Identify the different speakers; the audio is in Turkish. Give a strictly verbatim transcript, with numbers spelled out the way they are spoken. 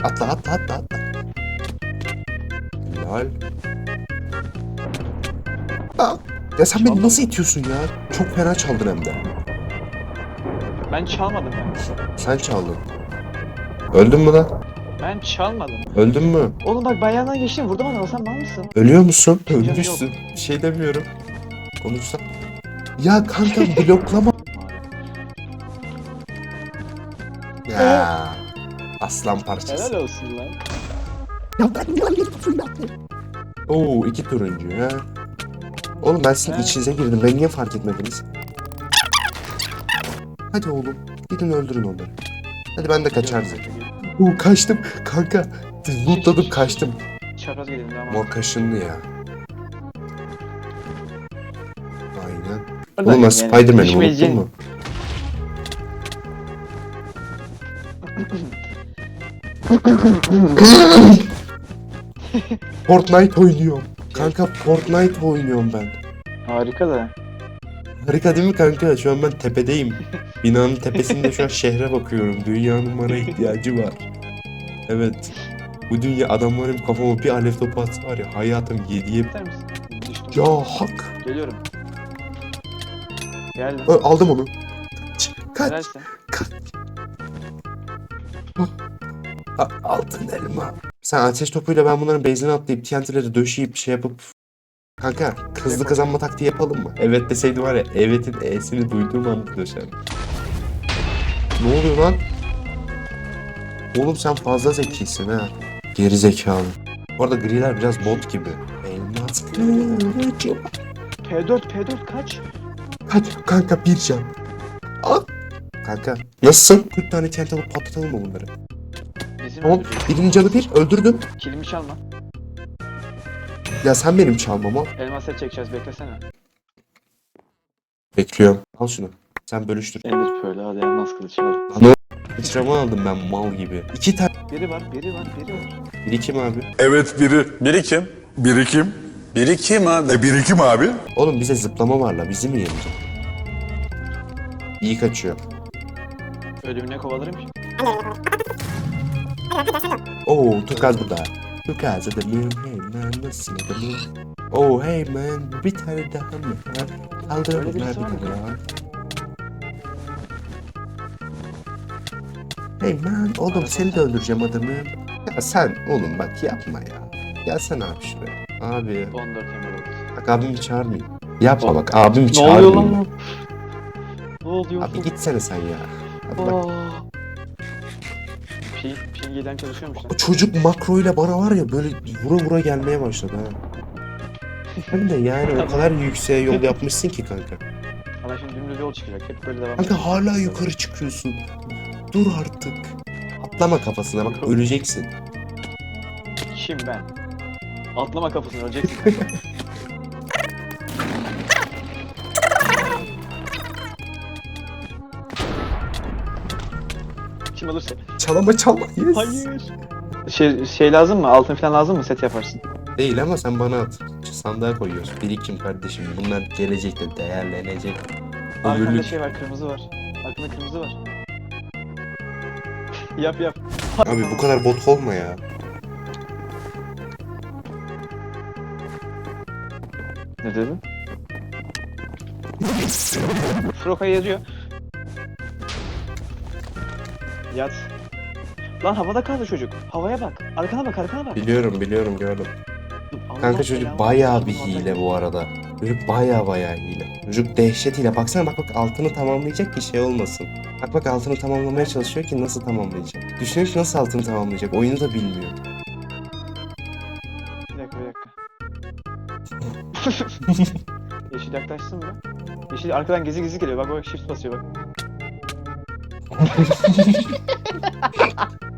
Speaker 1: Atla atla atla atla. Helal. Aa, ya sen beni
Speaker 2: Çalmadım.
Speaker 1: nasıl itiyorsun ya? Çok fena çaldın hem de.
Speaker 2: Ben çalmadım ben.
Speaker 1: Sen çaldın. Öldün mü lan?
Speaker 2: Ben çalmadım.
Speaker 1: Öldün mü?
Speaker 2: Oğlum bak ben yandan geçtim. Vurdum adamı. Sen mal mısın?
Speaker 1: Ölüyor musun?
Speaker 2: Canım yok.
Speaker 1: Ölmüşsün. Bir şey demiyorum. Konuşsa. Ya kanka bloklama. Ya. Aslan parçası.
Speaker 2: Helal olsun lan.
Speaker 1: Oo iki turuncu ha. Oğlum ben sizin
Speaker 2: He.
Speaker 1: içinize girdim. Ben niye fark etmediniz? Hadi oğlum. Gidin öldürün onları. Hadi ben de kaçarım. Oo kaçtım. Kanka. Lootladım kaçtım.
Speaker 2: Çapraz gidelim ama.
Speaker 1: Mor kaşınlı ya. Aynen. Oğlum ben Spider-Man'im unuttun mu? Fortnite oynuyorum. Kanka Fortnite oynuyorum ben.
Speaker 2: Harika da.
Speaker 1: Harika değil mi kanka? Şu an ben tepedeyim. Binanın tepesinde şu an şehre bakıyorum. Dünyanın bana ihtiyacı var. Evet. Bu dünya adamların kafama bir alev topu atsa var ya hayatım yediye...
Speaker 2: İster misin? Düştüm.
Speaker 1: Ya hak.
Speaker 2: Geliyorum. Geldim.
Speaker 1: Ö, aldım onu. Kaç. Kaç.
Speaker 2: Helalsin.
Speaker 1: A- altın elma. Sen ateş topuyla ben bunların base'ine atlayıp T N T'leri döşeyip şey yapıp... Kanka hızlı kazanma taktiği yapalım mı? Evet deseydi var ya evet'in E'sini duyduğum anda döşerdim. Ne oluyor lan? Oğlum sen fazla zekisin ha. Geri zekalı. Bu arada griler biraz bot gibi. Elmas kılıcı.
Speaker 2: P dört P dört kaç?
Speaker 1: Kaç kanka bir can. Al. Kanka nasılsın? kırk tane T N T alıp patlatalım mı bunları?
Speaker 2: Bizim
Speaker 1: Tamam.
Speaker 2: öldürecek.
Speaker 1: Birinin canı bir öldürdüm.
Speaker 2: Kilimi çalma.
Speaker 1: Ya sen benim çalmama.
Speaker 2: Elmas set çekeceğiz beklesene.
Speaker 1: Bekliyorum. Al şunu. Sen bölüştür.
Speaker 2: Ender Pearl hadi elmas kılıç al.
Speaker 1: Sıçrama aldım ben mal gibi. İki tane.
Speaker 2: Biri var biri var biri var.
Speaker 1: Biri kim abi?
Speaker 3: Evet biri.
Speaker 4: Birikim.
Speaker 3: Birikim.
Speaker 4: Birikim abi.
Speaker 3: E birikim abi.
Speaker 1: Oğlum bize zıplama var la. Bizi mi yenecek? İyi kaçıyor.
Speaker 2: Ölümüne kovalarım ki.
Speaker 1: Oo Tukaz burada. Tukaz adamım. Hey man nasıl adamım? Oh hey man bir tane daha mı? Kaldıralım
Speaker 2: Öyle
Speaker 1: bir
Speaker 2: birisi var mı?
Speaker 1: tane daha. Hey man oğlum
Speaker 2: Arada
Speaker 1: seni de
Speaker 2: sen-
Speaker 1: öldüreceğim adamım. Ya sen oğlum bak yapma ya. Gelsene abi şuraya. Abi
Speaker 2: on dört emerald.
Speaker 1: bak abimi çağırmayayım. Yapma bak abimi
Speaker 2: Ne oluyor
Speaker 1: çağırmayayım.
Speaker 2: lan? Ne oluyor?
Speaker 1: Abi gitsene sen ya. Hadi bak.
Speaker 2: Aa. Ping, ping yeden çalışıyormuş lan.
Speaker 1: O çocuk makroyla bana var ya böyle vura vura gelmeye başladı ha. Hem de yani o kadar yükseğe yol yapmışsın ki kanka.
Speaker 2: Bana şimdi dümdüz yol çıkacak. Hep böyle devam
Speaker 1: Kanka hala yukarı çıkıyorsun. Dur artık. Atlama kafasına bak öleceksin.
Speaker 2: Kim ben? Atlama kafasına öleceksin. Kim alırsa.
Speaker 1: Çalama çalma. Yes.
Speaker 2: Hayır. Şey, şey lazım mı? Altın falan lazım mı? Set yaparsın.
Speaker 1: Değil ama sen bana at. Sandığa koyuyoruz. Birikim kardeşim. Bunlar gelecekte değerlenecek.
Speaker 2: Arkanda
Speaker 1: Ömürlük.
Speaker 2: şey var, kırmızı var. Arkanda kırmızı var. Yap yap.
Speaker 1: Abi bu kadar bot olma ya.
Speaker 2: Ne dedin? Froka yazıyor. Yat. Lan havada kaldı çocuk. Havaya bak. Arkana bak, arkana bak.
Speaker 1: Biliyorum biliyorum gördüm.
Speaker 2: Allah
Speaker 1: Kanka çocuk
Speaker 2: belanı
Speaker 1: bayağı
Speaker 2: versin,
Speaker 1: bir
Speaker 2: havada
Speaker 1: hile
Speaker 2: kaldı.
Speaker 1: bu arada. Çocuk bayağı bayağı hile. Çocuk dehşet hile. Baksana bak bak altını tamamlayacak ki şey olmasın. Bak bak altını tamamlamaya çalışıyor ki nasıl tamamlayacak. Düşünüyor ki nasıl altını tamamlayacak. Oyunu da bilmiyor.
Speaker 2: Bir dakika, bir dakika. Yeşil yaklaşsın mı? Yeşil arkadan gizli gizli geliyor. Bak bak shift basıyor bak.